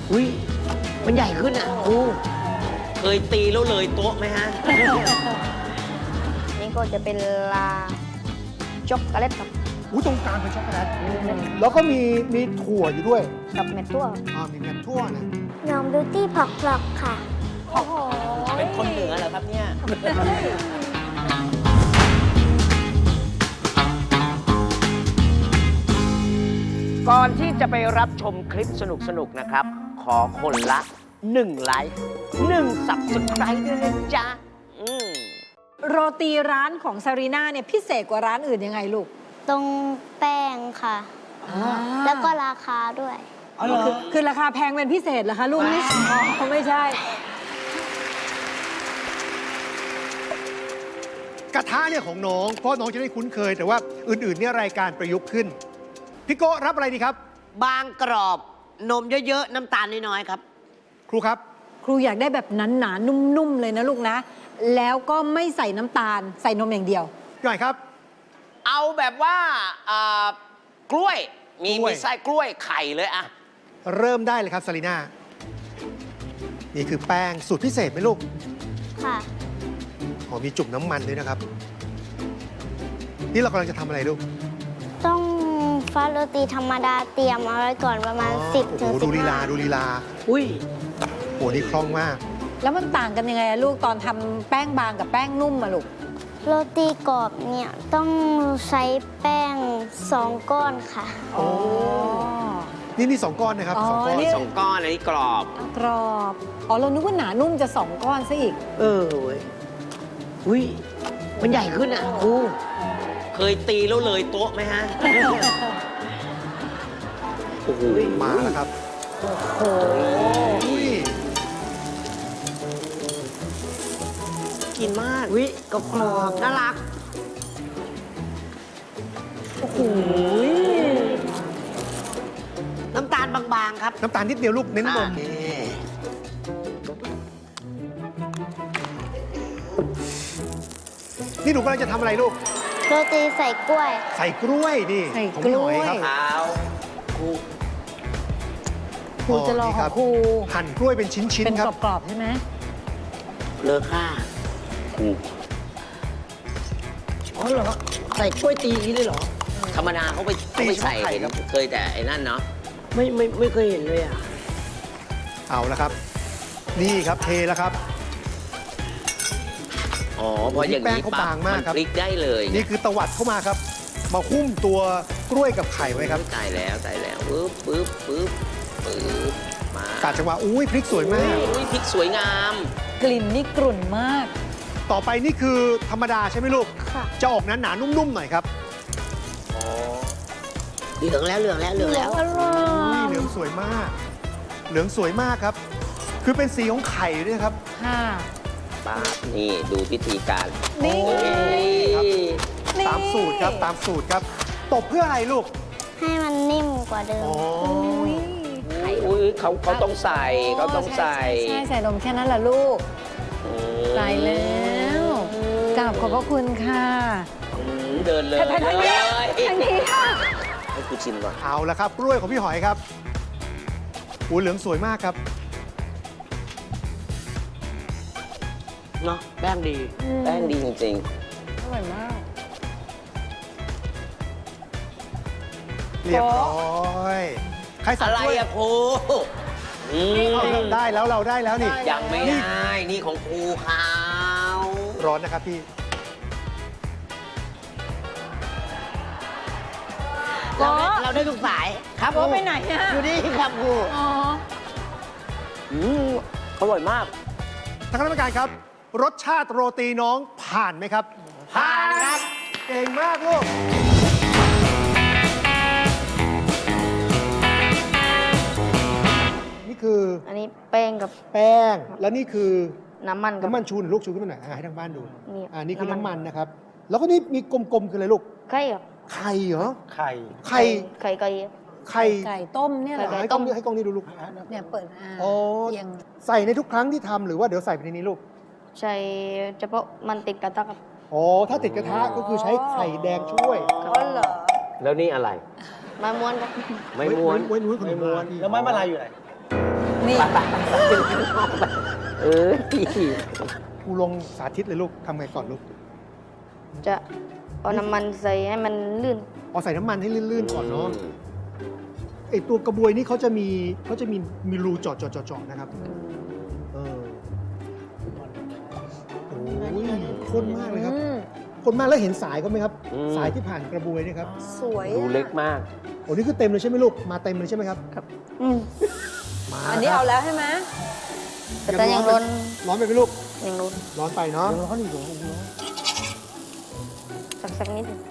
อุ้ยมันใหญ่ขึ้นอ่ะครูเคยตีแล้วเลยโต๊ะไหมฮะนี่ก็จะเป็นลาช็อกโกแลตครับตรงกลางเป็นช็อกโกแลตแล้วก็มีถั่วอยู่ด้วยกับเม็ดทั่วมีเม็ดถั่วนะน้องบิวตี้ผักหลอกค่ะโอ้โหเป็นคนเหนือเหรอครับเนี่ย ก่อนที่จะไปรับชมคลิปสนุกๆนะครับ ขอคนละ 1 ไลค์ 1 Subscribe ด้วยนะจ๊ะโรตีร้านของซารีน่าเนี่ยพิเศษกว่าร้านอื่นยังไงลูกตรงแป้งค่ะ แล้วก็ราคาด้วยคือราคาแพงเป็นพิเศษเหรอคะลูกไม่ไม่ใช่กระทะเนี่ยของน้องเพราะน้องจะได้คุ้นเคย แต่ว่าอื่นๆเนี่ยรายการประยุกต์ขึ้นพี่โก้รับอะไรดีครับบางกรอบนมเยอะๆ น้ำตาลน้อยๆ ครับครูครับครูอยากได้แบบหนาๆนุ่มๆเลยนะลูกนะ แล้วก็ไม่ใส่น้ำตาลใส่นมอย่างเดียวพี่หน่อยครับเอาแบบว่ากล้วย มีกล้วยไส้กล้วยไข่เลยอะเริ่มได้เลยครับซารีน่านี่คือแป้งสูตรพิเศษไหมลูกค่ะมีจุ่มน้ำมันด้วยนะครับ นี่เรากำลังจะทำอะไรลูกต้องฟ้าโรตีธรรมดาเตรียมเอาไว้ก่อนประมาณ 10 ถึงดูลีลา 15 ดูลีลาอุ้ยนี่คล่องมากแล้วมันต่างกันยังไงอะลูกตอนทำแป้งบางกับแป้งนุ่มอะลูกโรตีกรอบเนี่ยต้องใช้แป้ง 2 ก้อนค่ะอ๋อนี่2 ก้อนนะครับอ๋อ 2 ก้อนนี่ 2 ก้อนอันนี้กรอบกรอบอ๋อเรานึกว่าหนานุ่มจะ2 ก้อนซะอีกเว้ยอุ้ยมันใหญ่ขึ้นอ่ะครูเคยตีแล้วเลยโต๊ะไหมฮะ โอ้โหมาแล้วครับโอ้โหอุ้ยกินมากอุ้ยกรอบน่ารักโอ้โหน้ำตาลบางๆครับน้ำตาลนิดเดียวลูกเน้นนม นี่หนูกำลังจะทำอะไรลูกโรตีใส่กล้วยใส่กล้วยนี่ใส่ของกพี่หล้อวย ยครับเอาครูครูจะรอนี่ขคอรังบครูหั่นกล้วยเป็นชิ้นเป็นๆครับกรอบๆใช่ไหมเลอค่าครูอ๋อเหรอใส่กล้วยตีอย่างนี้เลยเหรอธรรมดาเขาไปตีใส่เฉพาะไข่เห็นครับเคยแต่ไอ้นั่นเนาะไม่เคยเห็นเลยอ่ะเอาละครับ นี่ครับเทแล้วครับอ๋อเพราะอย่างแป้งนี้เขาปั๊บบางมากมันครับพลิกได้เลยนี่คือตวัดเข้ามาครับ มาหุ้มตัวกล้วยกับไข่ไว้ครับตายแล้วปึ๊บมากาดจังหวะอุ้ยพริกสวยมากอุ้ยพริกสวยงามกลิ่นนี่กรุ่นมากต่อไปนี่คือธรรมดาใช่ไหมลูกค่ะจะออกหนาๆนุ่มๆหน่อยครับอ๋อเหลืองแล้วอุ้ยเหลืองสวยมาก เหลืองสวยมากครับ คือเป็นสีของไข่ด้วยครับค่ะป๊าบนี่ดูพิธีการนี่ครับนี่ตามสูตรครับตามสูตรครับ ตบเพื่ออะไรลูกให้มันนิ่มกว่าเดิมอ๋ออุ้ยเขาต้องใส่เขาต้องใส่ใช่ใส่นมแค่นั้นแหละลูกอืมตายแล้วกราบขอบพระคุณค่ะเดินเลยทางนี้ทางนี้ค่ะให้กูชิมก่อนเอาละครับกล้วยของพี่หอยครับอุ้ยเหลืองสวยมากครับเนาะแป้งดี แป้งดีจริงอร่อยมากเรียบร้อย ใครๆสั่อะงไรกล้วยอะครูอืมเอาเราได้แล้วเราได้แล้วนี่ยังไม่ได้ นี่ของครูเขาร้อนนะครับพี่เราได้ทุกสายครับโอ้ไปไหนอะอยู่นี่ครับครูอ๋ออร่อยมากท่านคณะกรรมการครับ รสชาติโรตีน้องผ่านไหมครับผ่านครับเก่งมากลูก นี่คืออันนี้แป้งกับแป้ง แล้วนี่คือน้ำมันกับน้ำมันชูหรือลูกชูขึ้นมาหน่อยให้ทางบ้านดูนี่นี่คือน้ำมันน้ำมันนะครับ แล้วก็นี่มีกลมๆคืออะไรลูกไข่ครับไข่เหรอไข่ไข่ไข่ไก่ไข่ไก่ต้มเนี่ยเหรอให้กล้องนี้ให้กล้องนี้ดูลูกเนี่ยเปิดอ๋อเอียงใส่ในทุกครั้งที่ทำหรือว่าเดี๋ยวใส่ไปในนี้ลูกใช้เฉพาะมันติดกระทะครับอ๋อ ถ้าติดกระทะก็คือใช้ไข่แดงช่วยอ๋อเหรอแล้วนี่อะไรมาม้วนครับไม่ม้วนไว้ม้วนขนมไม่ม้วนพี่แล้วไม้มาลายอยู่ไหนนี่ไปเอ้ยครูลงสาธิตเลยลูกทำไงก่อนลูกจะเอาน้ำมันใส่ให้มันลื่นเอาใส่น้ำมันให้ลื่นๆก่อนเนาะไอตัวกระบวยนี่เขาจะมีรูเจาะนะครับเออโอ้ยข้นมากเลยครับข้นมากแล้วเห็นสายเขาไหมครับ สายที่ผ่านกระบวยนี่ครับสวยดูเล็กมากโอ้นี่คือเต็มเลยใช่ไหมลูกมาเต็มเลยใช่ไหมครับอืมมาอันนี้เอาแล้วใช่ไหมแต่ยังร้อนร้อนไปไหมลูกยังร้อนร้อนไปเนาะสักนิดหนึ่ง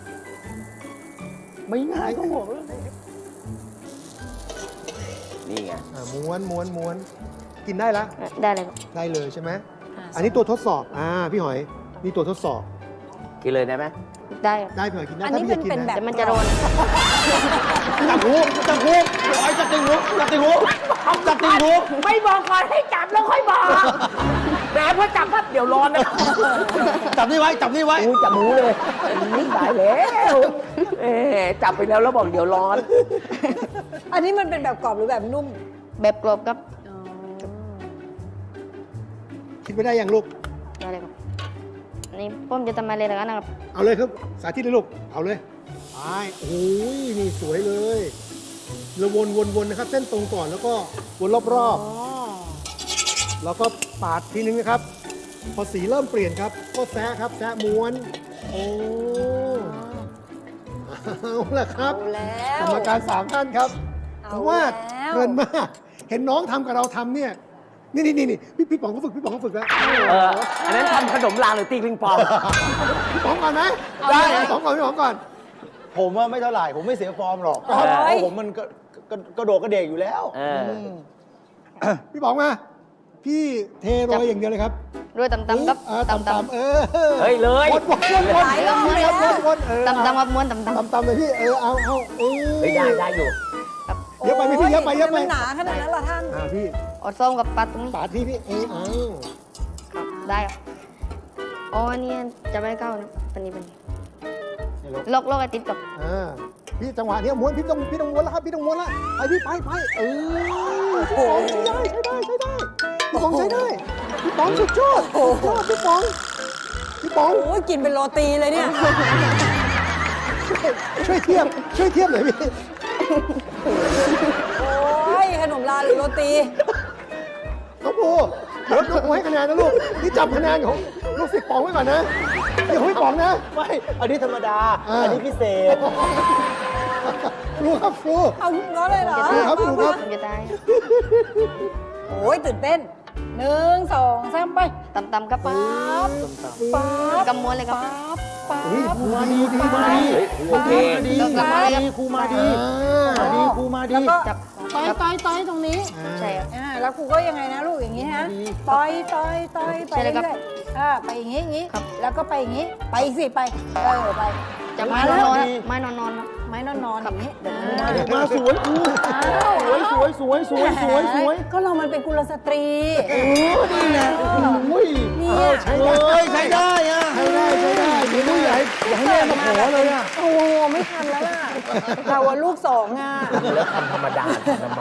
ไม่ง่ายก็บอกเลยนี่ไงม้วนกินได้ละได้เลยครับได้เลยใช่ไหมอันนี้ตัวทดสอบพี่หอยนี่ตัวทดสอบกินเลยได้ไหมได้ครับได้พี่หอยกินได้อันถ้านี้พี่อยากกินเป็นนะแบบแต่มันจะร้อนจับหูจับหูหอยจับติงหูจับติงหูจับติงหูไม่บอกก่อนให้จับแล้วค่อยบอกแหมพอจับปั๊บเดี๋ยวร้อนนะจับนี่ไว้จับนี่ไว้อุ้ยจับหมูเลยนี่ตายแล้วจับไปแล้วบอกเดี๋ยวร้อนอันนี้มันเป็นแบบกรอบหรือแบบนุ่มแบบกรอบครับคิดไม่ได้ยังลูกได้เลยครับอันนี้ผมจะทำอะไรแล้วกันนะครับเอาเลยครับสาธิตเลยลูกเอาเลยไปโอ้ยนี่สวยเลยเราวนนะครับ เส้นตรงก่อนแล้วก็วนรอบๆแล้วก็ปาดทีนึงนะครับ พอสีเริ่มเปลี่ยนครับ ก็แซะครับแซะม้วนโอ้เอาละครับเอาแล้วกรรมการ3ท่านครับเอาผมว่าแล้วเพลินมาก เห็นน้องทำกับเราทำเนี่ยนี่พี่ป๋องเขาฝึกแล้วอันนั้นทำขนมลาหรือตีปิงปองพี่ป๋องก่อนไหมได้พี่ป๋องก่อนพี่ป๋องก่อนผมว่าไม่เท่าไหร่ ผมไม่เสียฟอร์มหรอกเออเพราะผมมันกระโดดกระเดกอยู่แล้วพี่ป๋องมาพี่เทโรยอย่างเดียวเลยครับด้วยตำๆครับตำตำๆๆเออเฮ้ยเลยวนหลายรอบแล้ววนๆตำๆครับม้วนตำตำเลยพี่เอาเออเฮ้ยได้อยู่เยอะไปไหมพี่เยอะไปมันหนาขนาดนั้นเหรอท่านพี่ๆเอาส้มกับปลาตรงนี้ปาดที่พี่เอาครับได้ครับอ๋ออันนี้จะไม่เข้านะอันนี้เป็นล็อกไอ้ติดกับพี่จังหวะเนี้ยม้วนพี่ต้องม้วนแล้วครับพี่ต้องม้วนแล้วไปพี่ไปพี่ป๋องใช้ได้พี่ป๋องใช้ได้พี่ป๋องสุดยอดพี่ป๋องโอ้ยกินเป็นโรตีเลยเนี่ยช่วยเทียบหน่อยพี่โอ้ยขนมลาหรือโรตีน้องภูเดี๋ยวน้องภูให้คะแนนนะลูกนี่จับคะแนนของลูกศิษย์ป๋องไว้ก่อนนะเดี๋ยวพี่ป๋องนะไม่ อันนี้ธรรมดา อันนี้พิเศษครูครับครูเอาน้อยเลยเหรอครับผมจะได้โอ้ยตื่นเต้น1 2 3ไปตำๆครับป๊าบป๊าบกำม้วนเลยครับป๊าเฮ้ยบครูมาดีมาดีเฮ้ยโอเคดีครูมาดีครูมาดีแล้วก็จับต่อยตรงนี้ใช่ครับแล้วครูก็ยังไงนะลูกอย่างนี้ฮะต่อยไปใช่เลยครับเรื่อยๆไปอย่างนี้ครับแล้วก็ไปอย่างนี้ไปอีกสิไปไปจะไม้มาแล้วนอนๆไม้นอนๆครับไม้นอนๆอย่างนี้เดี๋ยวนี้มาสวยครูสวยก็เรามันเป็นกุลสตรีนี่ไงอุ้ยเนี่ยใช้ได้อะใช้ได้ไม่รู้อยากให้แม่มาขอเลยอะโอ้ไม่ทันแล้วล่ะเราอะลูก2อ่ะแล้วทำธรรมดาทำไม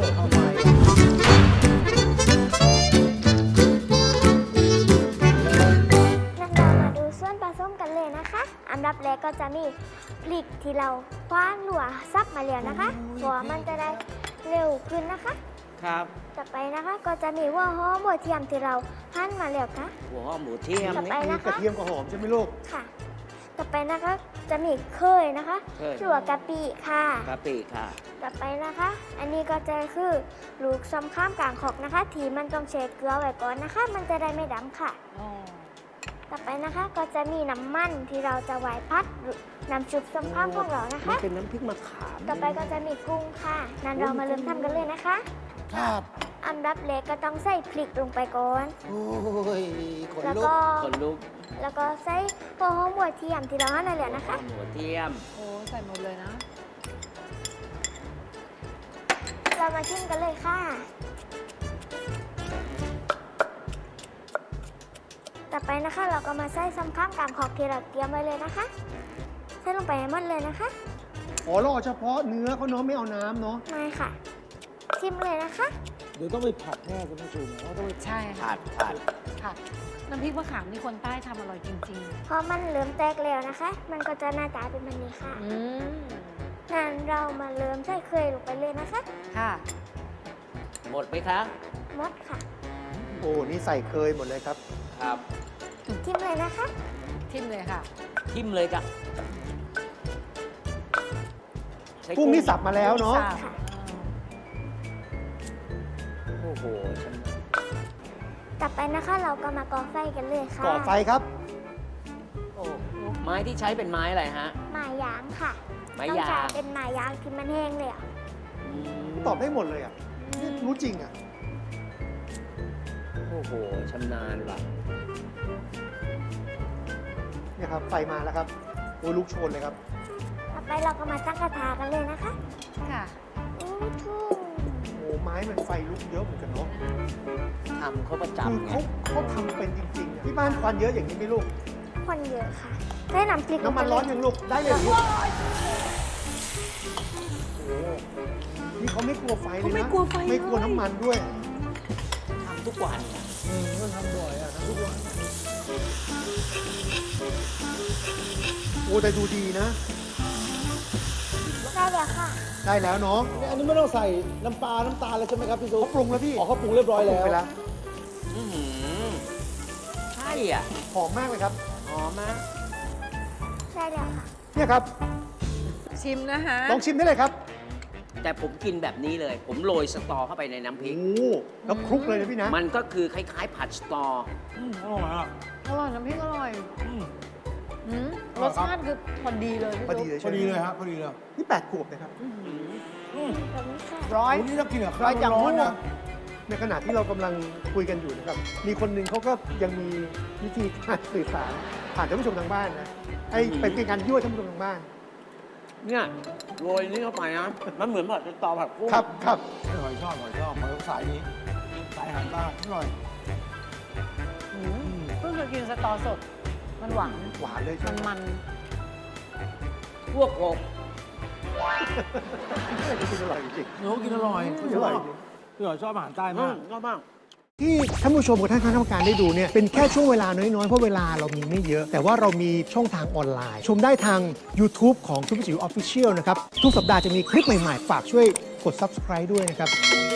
งั้นเรามาดูส่วนผสมกันเลยนะคะ อันดับแรกก็จะมีพริกที่เราคว้านหลัวซับมาแล้วนะคะเพราะว่ามันจะได้เร็วขึ้นนะคะครับต่อไปนะคะก็จะมีหัวหอมหัวเทียมที่เราหั่นมาแล้วค่ะหัวหอมหมูเทียมต่อไปมีนะกระคะเทียมกับหอมใช่ไหมลูกค่ะ ต่อไปนะคะจะมีเคยนะคะเคยหรือว่ากะปิค่ะกะปิค่ะต่อไปนะคะ อันนี้ก็จะคือลูกซ้ำข้ามกลางขอกนะคะ ทีมันต้องเช็ดเกลือไว้ก่อนนะคะ มันจะได้ไม่ดำค่ะ ต่อไปนะคะก็จะมีน้ำมันที่เราจะไว้พัดน้ำชุบซ้ำข้ามของเรานะมันคะเป็นน้ำพริกมะขามต่อไปก็จะมีกุ้งค่ะนั้นเรามาเริ่มทำกันเลยนะคะครับอันดับแรกก็ต้องใส่พริกลงไปก่อนโอ้ยขนแล้วลุกก็คนลุกแล้วก็ใส่หัวหอมหัวเทียมที่เราหั่นมาแล้วนะคะหมูเทียมโอ้ใส่หมดเลยนะเรามาชิมกันเลยค่ะ ต่อไปนะคะเราก็มาใส่ซ้ำข้ามกลางขอบที่เราเตรียมไว้เลยนะคะ ใส่ลงไปให้หมดเลยนะคะอ๋อเราเอาเฉพาะเนื้อเขาเนาะไม่เอาน้ำเนาะไม่ค่ะ ชิมเลยนะคะเดี๋ยวต้องไปผัดแน่คุณผู้ชมเราต้องไปใช่ผัค่ะดค่ะ น้ำพริกมะขามนี่คนใต้ทำอร่อยจริงพอมันเริ่มแตกแล้วนะคะ มันก็จะหน้าตาเป็นแบบนี้ค่ะๆ อืมงั้นเรามาเริ่มใส่เคยลงไปเลยนะคะค่ะหมดไหมคะหมดค่ะโอ้นี่ใส่เคยหมดเลยครับครับทิมเลยนะคะทิมเลยค่ะทิมเลยจ้ะใช้กุ้งนี่สับมาแล้วเนาะสับค่ะโอ้โหฉันต่อไปนะคะเราก็มาก่อไฟกันเลยค่ะก่อไฟครับโอ้ไม้ที่ใช้เป็นไม้อะไรฮะไม้ยางค่ะไม้ต้องยาใช้งเป็นไม้ยางที่มันแห้งเลยอ่ะอืมตอบได้หมดเลยอ่ะนี่รู้จริงอ่ะโอ้โหชำนาญว่ะเนี่ยครับ ไฟมาแล้วครับ โอ้ยลุกโชนเลยครับต่อไปเราก็มาตั้งกระทะกันเลยนะคะค่ะอู้ทู่โอ้ไม้มันไฟลุกเยอะเหมือนกันเนาะทำเขาประคือจำไงเขาทำเป็นจริงๆอะที่บ้านควันเยอะอย่างนี้ไหมลูกคนเยอะค่ะได้น้ำพริกน้ำมันร้อนยังลูก ได้เลยเหรอลูกโอ้นี่เขาไม่กลัวไฟเลยนะเขาไม่กลัวไฟไม่กลัวเลยน้ำมันด้วยทำทุกวันก็ทำบ่อยอ่ะทำทุกวันโอ้แต่ดูดีนะได้แล้วค่ะได้แล้วเนาะอันนี้ไม่ต้องใส่น้ำปลา น้ำตาลเลยใช่ไหมครับพี่ซุปเขาปรุงแล้วพี่อ๋อเขาปรุงเรียบร้อยปรุแล้งวไปแล้วอื้อหือใช่อ่ะหอมมากเลยครับหอมมากได้แล้วค่ะเนี่ยครับชิมนะคะลองชิมได้เลยครับแต่ผมกินแบบนี้เลย ผมโรยสตอเข้าไปในน้ำพริโอ้กแล้วคลุกเลยนะพี่นะมันก็คือคล้ายๆ ผัดสตออร่อยอ่ะอร่อยน้ำพริกอร่อยอืมอรร่อยสครับชาติคือพอดีเลยพี่พอดีซุปเลยพใช่อไหมดีเลยครับพอดีเลยนี่8 ขวบนะครับแบบนี้ค่ะร้อยโอ้นี่ถ้ากินกับร้ข้าอวยจังร้อนหู้ๆนะในขณะที่เรากำลังคุยกันอยู่นะครับ มีคนหนึ่งเขาก็ยังมีวิธีการสื่อสารผ่านท่านผู้ชมทางบ้านนะไอ้เป็นการยั่วท่านผู้ชมทางบ้านเนี่ยโรยนี่เข้าไปนะ มันเหมือนผัดสตอผัดกุ้งครับครับหอยชอบหอยสายนี้สายอาหารใต้อร่อยอืมเพิ่งเคยกินสตอสด มันหวานหวานเลยใช่ไหมมันพวกโกบกินอร่อยจริงเนื้อกินอร่อยอร่อยจริงพี่หอยชอบอาหารใต้มากก็บ้างที่ท่านผู้ชมกับท่านคณะกรรมการได้ดูเนี่ยเป็นแค่ช่วงเวลาน้อยๆ เพราะเวลาเรามีไม่เยอะ แต่ว่าเรามีช่องทางออนไลน์ ชมได้ทาง YouTube ของทุกจิ๋วออฟฟิเชียลนะครับ ทุกสัปดาห์จะมีคลิปใหม่ๆ ฝากช่วยกด Subscribe ด้วยนะครับ